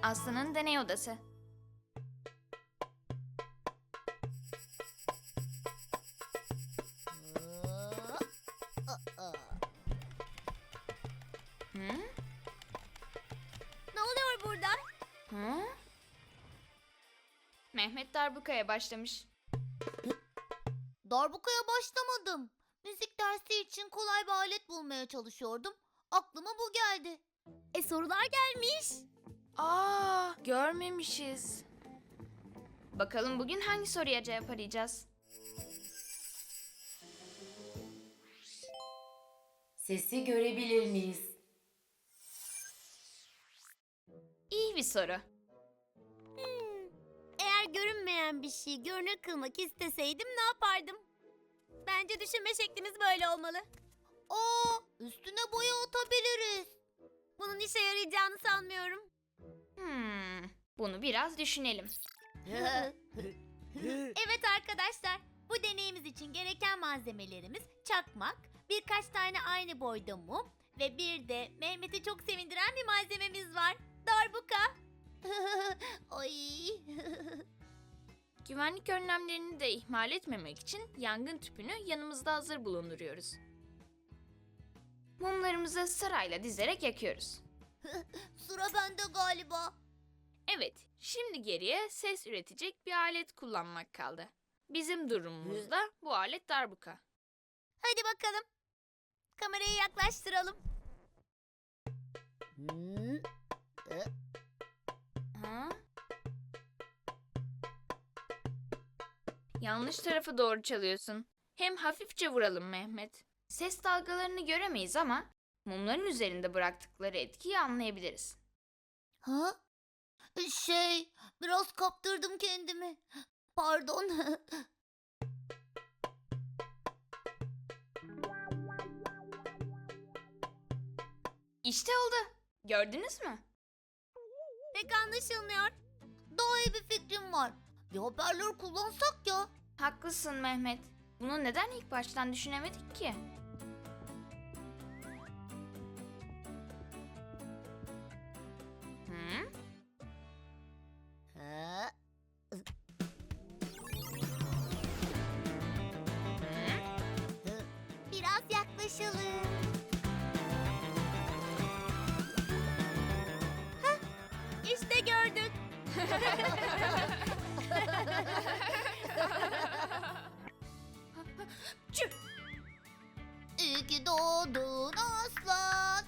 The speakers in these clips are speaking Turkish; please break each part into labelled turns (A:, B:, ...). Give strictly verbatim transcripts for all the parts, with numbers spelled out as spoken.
A: Aslı'nın deney odası. Hı?
B: Ne oluyor burada?
A: Hı? Mehmet darbukaya başlamış.
B: Darbukaya başlamadım. Müzik dersi için kolay bir alet bulmaya çalışıyordum. Aklıma bu geldi. E sorular gelmiş.
A: Aa, görmemişiz. Bakalım bugün hangi soruya cevap arayacağız?
C: Sesi görebilir miyiz?
A: İyi bir soru.
B: Eğer görünmeyen bir şeyi görünür kılmak isteseydim ne yapardım? Bence düşünme şeklimiz böyle olmalı. Aa, üstüne boya atabiliriz. Bunun işe yarayacağını sanmıyorum.
A: Hmm, bunu biraz düşünelim.
B: Evet arkadaşlar, bu deneyimiz için gereken malzemelerimiz çakmak, birkaç tane aynı boyda mum ve bir de Mehmet'i çok sevindiren bir malzememiz var. Darbuka. Ay.
A: Güvenlik önlemlerini de ihmal etmemek için yangın tüpünü yanımızda hazır bulunduruyoruz. Mumlarımızı sırayla dizerek yakıyoruz.
B: Sıra bende galiba.
A: Evet, şimdi geriye ses üretecek bir alet kullanmak kaldı. Bizim durumumuzda bu alet darbuka.
B: Hadi bakalım. Kamerayı yaklaştıralım.
A: Ha? Yanlış tarafa doğru çalıyorsun. Hem hafifçe vuralım Mehmet. Ses dalgalarını göremeyiz ama mumların üzerinde bıraktıkları etkiyi anlayabiliriz.
B: Ha? Şey, biraz kaptırdım kendimi. Pardon.
A: İşte oldu. Gördünüz mü?
B: Pek anlaşılmıyor. Daha iyi bir fikrim var. Bir hoparlör kullansak ya.
A: Haklısın Mehmet. Bunu neden ilk baştan düşünemedik ki? Hı?
B: Ha?
A: Hı?
B: Biraz yaklaşalım. Hah, işte gördük.
A: Çüp!
B: İyi ki doğdun aslan.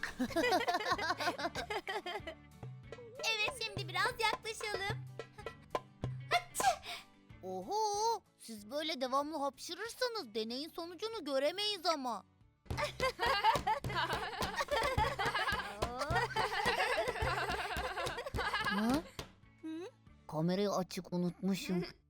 B: Evet, şimdi biraz yaklaşalım. Hıçı! Oho, siz böyle devamlı hapşırırsanız deneyin sonucunu göremeyiz ama. Ha? Hı? Kamerayı açık unutmuşum.